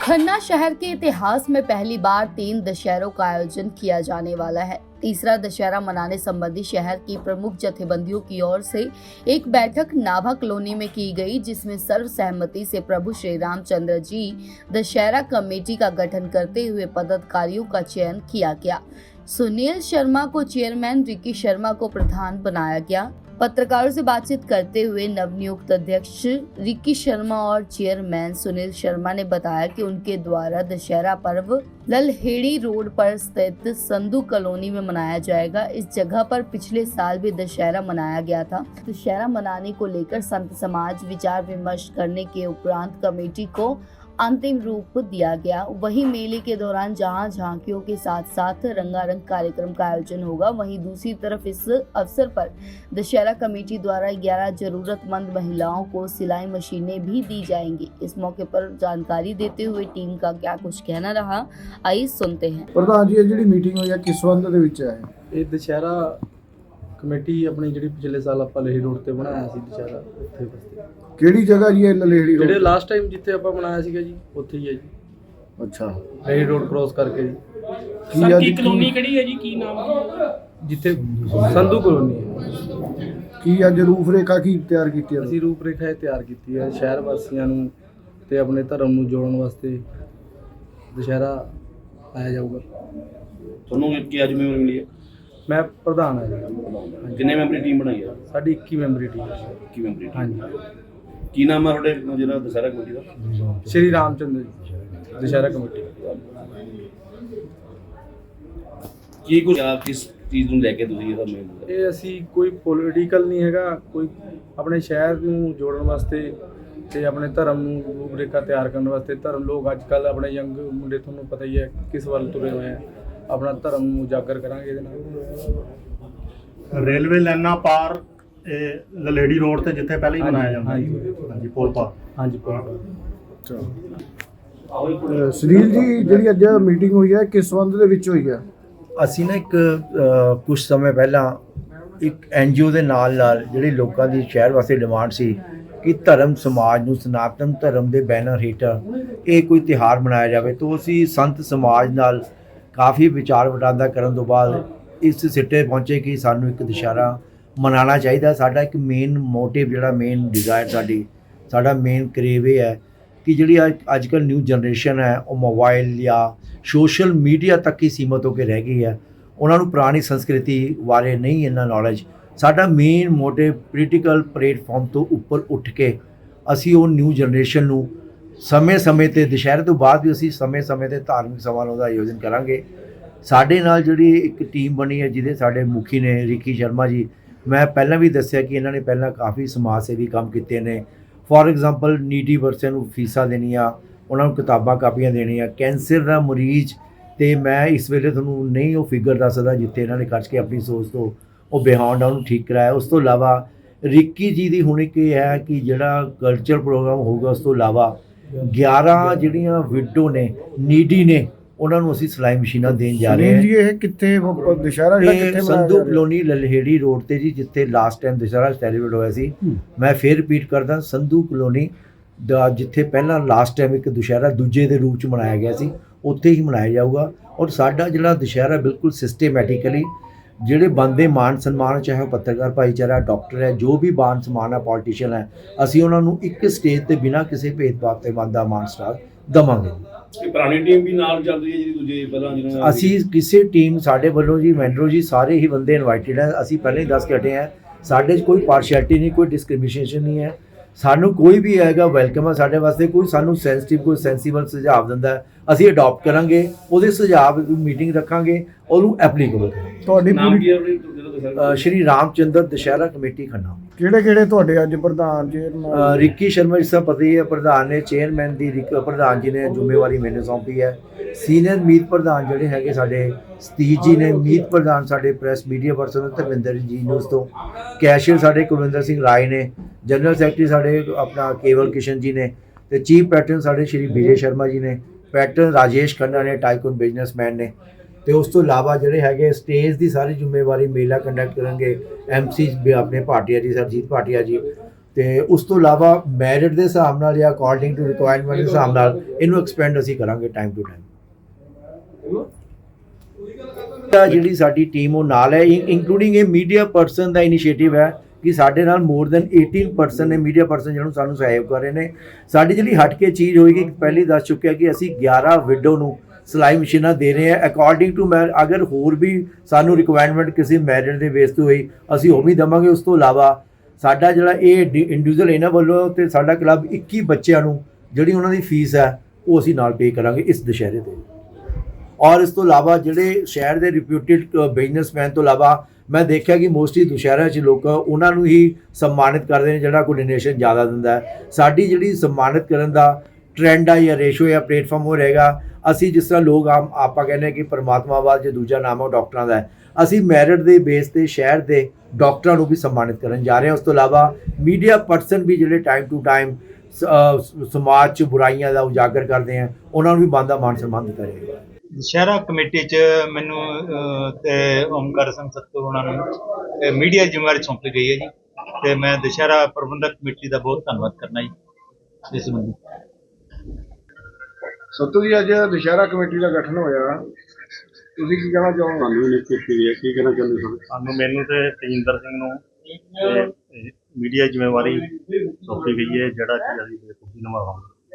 खन्ना शहर के इतिहास में पहली बार 3 दशहरों का आयोजन किया जाने वाला है। तीसरा दशहरा मनाने संबंधी शहर की प्रमुख जथेबंदियों की ओर से एक बैठक नाभा कॉलोनी में की गई, जिसमें सर्वसहमति से प्रभु श्री रामचंद्र जी दशहरा कमेटी का गठन करते हुए पदाधिकारियों का चयन किया गया। सुनील शर्मा को चेयरमैन, रिकी शर्मा को प्रधान बनाया गया। पत्रकारों से बातचीत करते हुए नवनियुक्त अध्यक्ष रिकी शर्मा और चेयरमैन सुनील शर्मा ने बताया कि उनके द्वारा दशहरा पर्व ललहेड़ी रोड पर स्थित संधू कॉलोनी में मनाया जाएगा। इस जगह पर पिछले साल भी दशहरा मनाया गया था। दशहरा मनाने को लेकर संत समाज विचार विमर्श करने के उपरांत कमेटी को अंतिम रूप दिया गया। वहीं मेले के दौरान जहां झांकियों के साथ साथ रंगारंग कार्यक्रम का आयोजन होगा, वहीं दूसरी तरफ इस अवसर पर दशहरा कमेटी द्वारा 11 जरूरतमंद महिलाओं को सिलाई मशीनें भी दी जाएंगी। इस मौके पर जानकारी देते हुए टीम का क्या कुछ कहना रहा, आइए सुनते हैं। प्रधान जी, ਜਿਹੜੀ ਮੀਟਿੰਗ ਹੋਈ ਹੈ ਕਿਸ ਸੰਬੰਧ ਦੇ ਵਿੱਚ ਹੈ? ਇਹ ਦੁਸ਼ਹਿਰਾ ਕਮੇਟੀ ਆਪਣੀ ਜਿਹੜੀ ਪਿਛਲੇ ਸਾਲ ਆਪਾਂ ਲਹੀ ਰੋਡ ਤੇ ਬਣਾਇਆ ਸੀ ਦੁਸ਼ਹਿਰਾ, ਉੱਥੇ ਬਸਤੀ ਕਿਹੜੀ ਜਗ੍ਹਾ ਜੀ ਇਹ ਲਲੇੜੀ ਰੋਡ? ਜਿਹੜੇ ਲਾਸਟ ਟਾਈਮ ਜਿੱਥੇ ਆਪਾਂ ਬਣਾਇਆ ਸੀਗਾ ਜੀ, ਉੱਥੇ ਹੀ ਹੈ ਜੀ। ਅੱਛਾ, ਲਹੀ ਰੋਡ ਕ੍ਰੋਸ ਕਰਕੇ ਜੀ। ਸਰ ਕੀ ਕਲੋਨੀ ਕਿਹੜੀ ਹੈ ਜੀ, ਕੀ ਨਾਮ ਹੈ? ਜਿੱਥੇ ਸੰਧੂ ਕਲੋਨੀ ਹੈ। ਕੀ ਅੱਜ ਰੂਪ ਰੇਖਾ ਕੀ ਤਿਆਰ ਕੀਤੀ ਹੈ? ਅਸੀਂ ਰੂਪ ਰੇਖਾ ਤਿਆਰ ਕੀਤੀ ਹੈ ਸ਼ਹਿਰ ਵਾਸੀਆਂ ਨੂੰ ਤੇ ਆਪਣੇ ਧਰਮ ਨੂੰ ਜੋੜਨ ਵਾਸਤੇ ਦੁਸ਼ਹਿਰਾ ਆਇਆ ਜਾਊਗਾ। ਤੁਹਾਨੂੰ ਕੀ ਅੱਜ ਮੈਂਬਰ ਮਿਲੀ ਹੈ? ਮੈਂ ਪ੍ਰਧਾਨ ਹਾਂ ਜੀ। ਕਿੰਨੇ ਮੈਂਬਰੀ ਟੀਮ ਬਣਾਈ ਹੈ? ਸਾਡੀ 21 ਮੈਂਬਰੀ ਟੀਮ ਹੈ। ਕੀ ਮੈਂਬਰੀ ਟੀਮ? ਹਾਂਜੀ। ਕੀ ਨਾਮ ਹੈ ਤੁਹਾਡੇ ਜਿਹੜਾ ਦਸ਼ਹਰਾ ਕਮੇਟੀ ਦਾ? ਸ਼੍ਰੀ ਰਾਮਚੰਦਰ ਜੀ ਦੁਸ਼ਹਿਰਾ ਕਮੇਟੀ। ਕੀ ਕੁਝ ਆਪ ਕਿਸ ਚੀਜ਼ ਨੂੰ ਲੈ ਕੇ ਤੁਸੀਂ ਇਹਦਾ ਮੇਲ? ਇਹ ਅਸੀਂ ਕੋਈ ਪੋਲੀਟੀਕਲ ਨਹੀਂ ਹੈਗਾ, ਕੋਈ ਆਪਣੇ ਸ਼ਹਿਰ ਨੂੰ ਜੋੜਨ ਵਾਸਤੇ ਤੇ ਆਪਣੇ ਧਰਮ ਨੂੰ ਰੂਪਰੇਖਾ ਤਿਆਰ ਕਰਨ ਵਾਸਤੇ। ਧਰਮ ਲੋਕ ਅੱਜ ਕੱਲ੍ਹ ਆਪਣੇ ਯੰਗ ਮੁੰਡੇ ਤੁਹਾਨੂੰ ਪਤਾ ਹੀ ਹੈ ਕਿਸ ਵੱਲ ਤੁਰੇ ਹੋਏ ਆ। ਆਪਣਾ ਧਰਮ ਨੂੰ ਉਜਾਗਰ ਕਰਾਂਗੇ ਇਹਦੇ ਨਾਲ। ਰੇਲਵੇ ਲਾਈਨਾਂ ਪਾਰ ਇਹ ਲਲੇੜੀ ਰੋਡ ਤੇ ਜਿੱਥੇ ਪਹਿਲਾਂ ਹੀ ਮਨਾਇਆ ਜਾਂਦਾ ਹਾਂਜੀ ਪੁਲ ਪਾਰ। ਹਾਂਜੀ ਪੁਲ। ਸੁਨੀਲ ਜੀ, ਜਿਹੜੀ ਅੱਜ ਮੀਟਿੰਗ ਹੋਈ ਹੈ ਕਿਸ ਸੰਬੰਧ ਦੇ ਵਿੱਚ ਹੋਈ ਹੈ? ਅਸੀਂ ਨਾ ਇੱਕ ਕੁਝ ਸਮੇਂ ਪਹਿਲਾਂ ਇੱਕ NGO ਦੇ ਨਾਲ ਜਿਹੜੇ ਲੋਕਾਂ ਦੀ ਸ਼ਹਿਰ ਵਾਸਤੇ ਡਿਮਾਂਡ ਸੀ ਕਿ ਧਰਮ ਸਮਾਜ ਨੂੰ ਸਨਾਤਨ ਧਰਮ ਦੇ ਬੈਨਰ ਹੇਠਾਂ ਇਹ ਕੋਈ ਤਿਉਹਾਰ ਮਨਾਇਆ ਜਾਵੇ, ਤਾਂ ਅਸੀਂ ਸੰਤ ਸਮਾਜ ਨਾਲ ਕਾਫੀ ਵਿਚਾਰ ਵਟਾਂਦਰਾ ਕਰਨ ਤੋਂ ਬਾਅਦ ਇਸ ਸਿੱਟੇ ਪਹੁੰਚੇ ਕਿ ਸਾਨੂੰ ਇੱਕ ਦੁਸ਼ਹਿਰਾ ਮਨਾਉਣਾ ਚਾਹੀਦਾ। ਸਾਡਾ ਇੱਕ ਮੇਨ ਮੋਟਿਵ, ਜਿਹੜਾ ਮੇਨ ਡਿਜ਼ਾਇਰ ਸਾਡਾ ਮੇਨ ਕਰੇਵ ਇਹ ਹੈ ਕਿ ਜਿਹੜੀ ਅੱਜ ਕੱਲ੍ਹ ਨਿਊ ਜਨਰੇਸ਼ਨ ਹੈ ਉਹ ਮੋਬਾਈਲ ਜਾਂ ਸੋਸ਼ਲ ਮੀਡੀਆ ਤੱਕ ਹੀ ਸੀਮਤ ਹੋ ਕੇ ਰਹਿ ਗਈ ਹੈ। ਉਹਨਾਂ ਨੂੰ ਪੁਰਾਣੀ ਸੰਸਕ੍ਰਿਤੀ ਬਾਰੇ ਨਹੀਂ ਇੰਨਾ ਨੌਲੇਜ। ਸਾਡਾ ਮੇਨ ਮੋਟਿਵ ਪੋਲੀਟੀਕਲ ਪਲੇਟਫਾਰਮ ਤੋਂ ਉੱਪਰ ਉੱਠ ਕੇ ਅਸੀਂ ਉਹ ਨਿਊ ਜਨਰੇਸ਼ਨ ਨੂੰ ਸਮੇਂ-ਸਮੇਂ 'ਤੇ ਦੁਸ਼ਹਿਰੇ ਤੋਂ ਬਾਅਦ ਵੀ ਅਸੀਂ ਸਮੇਂ-ਸਮੇਂ 'ਤੇ ਧਾਰਮਿਕ ਸਮਾਰੋਹ ਦਾ ਆਯੋਜਨ ਕਰਾਂਗੇ। ਸਾਡੇ ਨਾਲ ਜਿਹੜੀ ਇੱਕ ਟੀਮ ਬਣੀ ਹੈ ਜਿਹਦੇ ਸਾਡੇ ਮੁਖੀ ਨੇ ਰਿਕੀ ਸ਼ਰਮਾ ਜੀ। ਮੈਂ ਪਹਿਲਾਂ ਵੀ ਦੱਸਿਆ ਕਿ ਇਹਨਾਂ ਨੇ ਪਹਿਲਾਂ ਕਾਫੀ ਸਮਾਜ ਸੇਵੀ ਕੰਮ ਕੀਤੇ ਨੇ। ਫੋਰ ਐਗਜ਼ਾਮਪਲ ਨੀਡੀ ਬੱਚਿਆਂ ਨੂੰ ਫੀਸਾਂ ਦੇਣੀਆਂ, ਉਹਨਾਂ ਨੂੰ ਕਿਤਾਬਾਂ ਕਾਪੀਆਂ ਦੇਣੀਆਂ। ਕੈਂਸਰ ਦਾ ਮਰੀਜ਼ ਤੇ ਮੈਂ ਇਸ ਵੇਲੇ ਤੁਹਾਨੂੰ ਨਹੀਂ ਉਹ ਫਿਗਰ ਦੱਸ ਸਕਦਾ ਜਿੱਥੇ ਇਹਨਾਂ ਨੇ ਖਰਚ ਕੇ ਆਪਣੀ ਸੋਚ ਤੋਂ ਉਹ ਬਿਹਾਉਂਡ ਉਹਨੂੰ ਠੀਕ ਕਰਾਇਆ। ਉਸ ਤੋਂ ਇਲਾਵਾ ਰਿੱਕੀ ਜੀ ਦੀ ਹੁਣ ਇੱਕ ਇਹ ਹੈ ਕਿ ਜਿਹੜਾ ਕਲਚਰ ਪ੍ਰੋਗਰਾਮ ਹੋਊਗਾ, ਉਸ ਤੋਂ ਇਲਾਵਾ 11 ਜਿਹੜੀਆਂ ਵਿਡੋ ਨੇ, ਨੀਡੀ ਨੇ, ਉਹਨਾਂ ਨੂੰ ਅਸੀਂ ਸਿਲਾਈ ਮਸ਼ੀਨਾਂ ਦੇਣ ਜਾ ਰਹੇ ਹਾਂ। ਜੀ ਇਹ ਕਿੱਥੇ ਦੁਸ਼ਹਿਰਾ ਜਿਹੜਾ ਕਿੱਥੇ ਸੰਧੂ ਕਲੋਨੀ ਲਲਹੇੜੀ ਰੋਡ ਤੇ ਜੀ, ਜਿੱਥੇ ਲਾਸਟ ਟਾਈਮ ਦੁਸ਼ਹਿਰਾ ਸੈਲੀਬ੍ਰੇਟ ਹੋਇਆ ਸੀ। ਮੈਂ ਫੇਰ ਰਿਪੀਟ ਕਰਦਾ, ਸੰਧੂ ਕਲੋਨੀ ਦਾ ਜਿੱਥੇ ਪਹਿਲਾਂ ਲਾਸਟ ਟਾਈਮ ਇੱਕ ਦੁਸ਼ਹਿਰਾ ਦੂਜੇ ਦੇ ਰੂਪ 'ਚ ਮਨਾਇਆ ਗਿਆ ਸੀ, ਉੱਥੇ ਹੀ ਮਨਾਇਆ ਜਾਊਗਾ। ਔਰ ਸਾਡਾ ਜਿਹੜਾ ਦੁਸ਼ਹਿਰਾ ਬਿਲਕੁਲ ਸਿਸਟੇਮੈਟਿਕਲੀ ਜਿਹੜੇ ਬੰਦੇ ਮਾਨ ਸਨਮਾਨ, ਚਾਹੇ ਉਹ ਪੱਤਰਕਾਰ ਭਾਈਚਾਰਾ, ਡਾਕਟਰ ਹੈ, ਜੋ ਵੀ ਮਾਨ ਸਨਮਾਨ ਹੈ, ਪੋਲੀਟੀਸ਼ੀਅਨ ਹੈ, ਅਸੀਂ ਉਹਨਾਂ ਨੂੰ ਇੱਕ ਸਟੇਜ ਤੇ ਬਿਨਾਂ ਕਿਸੇ ਭੇਦਭਾਵ ਤੇ ਬੰਦਾ ਮਾਨ ਸਟਾਰ ਦੇਵਾਂਗੇ। ਪੁਰਾਣੀ ਟੀਮ ਵੀ ਨਾਲ ਚੱਲ ਰਹੀ ਹੈ ਜਿਹੜੀ ਦੂਜੇ ਪਹਿਲਾਂ ਜਿਹਨਾਂ ਅਸੀਂ ਕਿਸੇ ਟੀਮ ਸਾਡੇ ਵੱਲੋਂ ਜੀ ਮੈਂਡਰੋ ਜੀ ਸਾਰੇ ਹੀ ਬੰਦੇ ਇਨਵਾਈਟਡ ਹੈ। ਅਸੀਂ ਪਹਿਲਾਂ ਹੀ ਦੱਸ ਕੇ ਹਟੇ ਹਾਂ, ਸਾਡੇ 'ਚ ਕੋਈ ਪਾਰਸ਼ੈਲਿਟੀ ਨਹੀਂ, ਕੋਈ ਡਿਸਕ੍ਰਿਮੀਨੇਸ਼ਨ ਨਹੀਂ ਹੈ। ਸਾਨੂੰ ਕੋਈ ਵੀ ਹੈਗਾ ਵੈਲਕਮ ਹੈ ਸਾਡੇ ਵਾਸਤੇ। ਕੋਈ ਸਾਨੂੰ ਸੈਂਸਿਟਿਵ, ਕੋਈ ਸੈਂਸੀਬਲ ਸੁਝਾਅ ਦਿੰਦਾ ਹੈ, ਅਸੀਂ ਅਡਾਪਟ ਕਰਾਂਗੇ, ਉਹਦੇ ਸੁਝਾਅ ਮੀਟਿੰਗ ਰੱਖਾਂਗੇ, ਉਹਨੂੰ ਐਪਲੀਕੇਬਲ ਕਰਾਂਗੇ। ਤੁਹਾਡੀ ਨਾਮ ਕੀ ਹੈ ਸ਼੍ਰੀ ਰਾਮਚੰਦਰ ਦੁਸ਼ਹਿਰਾ ਕਮੇਟੀ ਖੰਨਾ। ਕਿਹੜੇ ਤੁਹਾਡੇ ਅੱਜ ਪ੍ਰਧਾਨ ਜੀ? ਰਿੱਕੀ ਸ਼ਰਮਾ ਜਿਸ ਦਾ ਪਤਾ ਹੀ ਹੈ, ਪ੍ਰਧਾਨ ਨੇ, ਚੇਅਰਮੈਨ ਦੀ ਪ੍ਰਧਾਨ ਜੀ ਨੇ ਜ਼ਿੰਮੇਵਾਰੀ ਮੈਨੂੰ ਸੌਂਪੀ ਹੈ। ਸੀਨੀਅਰ ਮੀਤ ਪ੍ਰਧਾਨ ਜਿਹੜੇ ਹੈਗੇ ਸਾਡੇ ਸਤੀਸ਼ ਜੀ ਨੇ, ਮੀਤ ਪ੍ਰਧਾਨ ਸਾਡੇ ਪ੍ਰੈਸ ਮੀਡੀਆ ਪਰਸਨ ਧਰਮਿੰਦਰ ਜੀ ਨਿਊਜ਼ ਤੋਂ, ਕੈਸ਼ੀਅਰ ਸਾਡੇ ਕੁਲਵਿੰਦਰ ਸਿੰਘ ਰਾਏ ਨੇ, ਜਨਰਲ ਸੈਕਟਰੀ ਸਾਡੇ ਆਪਣਾ ਕੇਵਲ ਕਿਸ਼ਨ ਜੀ ਨੇ, ਤੇ ਚੀਫ ਪੈਟਰਨ ਸਾਡੇ ਸ਼੍ਰੀ ਵਿਜੇ ਸ਼ਰਮਾ ਜੀ ਨੇ, ਪੈਟਰਨ ਰਾਜੇਸ਼ ਖੰਨਾ ਨੇ, ਟਾਈਕੂਨ ਬਿਜ਼ਨਸਮੈਨ ਨੇ। ਤੇ ਉਸ ਤੋਂ ਇਲਾਵਾ ਜਿਹੜੇ ਹੈਗੇ ਸਟੇਜ ਦੀ ਸਾਰੀ ਜ਼ਿੰਮੇਵਾਰੀ ਮੇਲਾ ਕੰਡਕਟ ਕਰਨਗੇ MC ਆਪਣੇ ਭਾਟੀਆ ਜੀ, ਸਰਜੀਤ ਭਾਟੀਆ ਜੀ, ਤੇ ਉਸ ਤੋਂ ਇਲਾਵਾ ਮੈਰਿਟ ਦੇ ਹਿਸਾਬ ਨਾਲ ਜਾਂ ਅਕੋਰਡਿੰਗ ਟੂ ਰਿਕੁਆਇਰਮੈਂਟ ਦੇ ਹਿਸਾਬ ਨਾਲ ਇਹਨੂੰ ਐਕਸਪੈਂਡ ਅਸੀਂ ਕਰਾਂਗੇ ਟਾਈਮ ਟੂ ਟਾਈਮ। ਜਿਹੜੀ ਸਾਡੀ ਟੀਮ ਉਹ ਨਾਲ ਹੈ, ਇੰਕਲੂਡਿੰਗ ਇਹ ਮੀਡੀਆ ਪਰਸਨ ਦਾ ਇਨੀਸ਼ੀਏਟਿਵ ਹੈ ਕਿ ਸਾਡੇ ਨਾਲ ਮੋਰ ਦੈਨ 18 ਪਰਸਨ ਨੇ ਮੀਡੀਆ ਪਰਸਨ ਜਿਹਨੂੰ ਸਾਨੂੰ ਸਹਿਯੋਗ ਕਰ ਰਹੇ ਨੇ। ਸਾਡੀ ਜਿਹੜੀ ਹਟ ਕੇ ਚੀਜ਼ ਹੋਏਗੀ, ਪਹਿਲੀ ਦੱਸ ਚੁੱਕਿਆ ਕਿ ਅਸੀਂ 11 ਵਿਡੋ ਨੂੰ ਸਿਲਾਈ ਮਸ਼ੀਨਾਂ ਦੇ ਰਹੇ ਹਾਂ ਅਕੋਰਡਿੰਗ ਟੂ ਅਗਰ ਹੋਰ ਵੀ ਸਾਨੂੰ ਰਿਕੁਆਇਰਮੈਂਟ ਕਿਸੇ ਮੈਰਿਟ ਦੇ ਬੇਸ ਤੇ ਹੋਈ ਅਸੀਂ ਉਹ ਵੀ ਦੇਵਾਂਗੇ। ਉਸ ਤੋਂ ਇਲਾਵਾ ਸਾਡਾ ਜਿਹੜਾ ਇਹ ਇੰਡੀਵਿਜੂਅਲ ਇਹਨਾਂ ਵੱਲੋਂ ਤੇ ਸਾਡਾ ਕਲੱਬ 21 ਬੱਚਿਆਂ ਨੂੰ ਜਿਹੜੀ ਉਹਨਾਂ ਦੀ ਫੀਸ ਹੈ ਉਹ ਅਸੀਂ ਨਾਲ ਪੇ ਕਰਾਂਗੇ ਇਸ ਦੁਸ਼ਹਿਰੇ ਤੇ। ਔਰ ਇਸ ਤੋਂ ਇਲਾਵਾ ਜਿਹੜੇ ਸ਼ਹਿਰ ਦੇ ਰਿਪਿਊਟਿਡ ਬਿਜ਼ਨਸਮੈਨ ਤੋਂ ਇਲਾਵਾ ਮੈਂ ਦੇਖਿਆ ਕਿ ਮੋਸਟਲੀ ਦੁਸ਼ਹਿਰਾ 'ਚ ਲੋਕ ਉਹਨਾਂ ਨੂੰ ਹੀ ਸਨਮਾਨਿਤ ਕਰਦੇ ਨੇ ਜਿਹੜਾ ਕੋਈ ਡੋਨੇਸ਼ਨ ਜ਼ਿਆਦਾ ਦਿੰਦਾ ਹੈ। ਸਾਡੀ ਜਿਹੜੀ ਸਨਮਾਨਿਤ ਕਰਨ ਦਾ ਟ੍ਰੈਂਡ ਆ ਜਾਂ ਰੇਸ਼ੋ ਜਾਂ ਪਲੇਟਫਾਰਮ ਉਹ ਰਹੇਗਾ। ਅਸੀਂ ਜਿਸ ਤਰ੍ਹਾਂ ਲੋਕ ਆਪਾਂ ਕਹਿੰਦੇ ਹਾਂ ਕਿ ਪਰਮਾਤਮਾ ਬਾਅਦ ਜੇ ਦੂਜਾ ਨਾਮ ਉਹ ਡਾਕਟਰਾਂ ਦਾ ਹੈ, ਅਸੀਂ ਮੈਰਿਟ ਦੇ ਬੇਸ ਤੇ ਸ਼ਹਿਰ ਦੇ ਡਾਕਟਰਾਂ ਨੂੰ ਵੀ ਸਨਮਾਨਿਤ ਕਰਨ ਜਾ ਰਹੇ ਹਾਂ। ਉਸ ਤੋਂ ਇਲਾਵਾ ਮੀਡੀਆ ਪਰਸਨ ਵੀ ਜਿਹੜੇ ਟਾਈਮ ਟੂ ਟਾਈਮ ਸਮਾਜ 'ਚ ਬੁਰਾਈਆਂ ਦਾ ਉਜਾਗਰ ਕਰਦੇ ਆ ਉਹਨਾਂ ਨੂੰ ਵੀ ਬਣਦਾ ਮਾਨ ਸਨਮਾਨ ਦਿੱਤਾ ਜਾਏਗਾ। ਦੁਸ਼ਹਿਰਾ ਕਮੇਟੀ 'ਚ ਮੈਨੂੰ ਤੇ ਓਮਕਾਰ ਸਿੰਘ ਸੱਤੂ ਉਹਨਾਂ ਨੂੰ ਮੀਡੀਆ ਜ਼ਿੰਮੇਵਾਰੀ ਸੌਂਪੀ ਗਈ ਹੈ ਜੀ, ਤੇ ਮੈਂ ਦੁਸ਼ਹਿਰਾ ਪ੍ਰਬੰਧਕ ਕਮੇਟੀ ਦਾ ਬਹੁਤ ਧੰਨਵਾਦ ਕਰਨਾ ਜੀ ਇਸ ਸੰਬੰਧੀ। ਸੱਤੂ ਜੀ, ਅੱਜ ਦੁਸ਼ਹਿਰਾ ਕਮੇਟੀ ਦਾ ਗਠਨ ਹੋਇਆ, ਤੁਸੀਂ ਕੀ ਕਹਿਣਾ ਚਾਹੋਗੇ? ਸਾਨੂੰ ਨਿਯੁਕਤੀ ਕੀਤੀ ਹੈ, ਕੀ ਕਹਿਣਾ ਚਾਹੁੰਦੇ ਹੋ? ਸਾਨੂੰ ਮੈਨੂੰ ਤੇ ਤੇਜਿੰਦਰ ਸਿੰਘ ਨੂੰ ਮੀਡੀਆ ਜ਼ਿੰਮੇਵਾਰੀ ਸੌਂਪੀ ਗਈ ਹੈ, ਜਿਹੜਾ ਕਿ ਅਸੀਂ ਬੇਖੂਬੀ ਨਿਭਾਵਾਂਗੇ।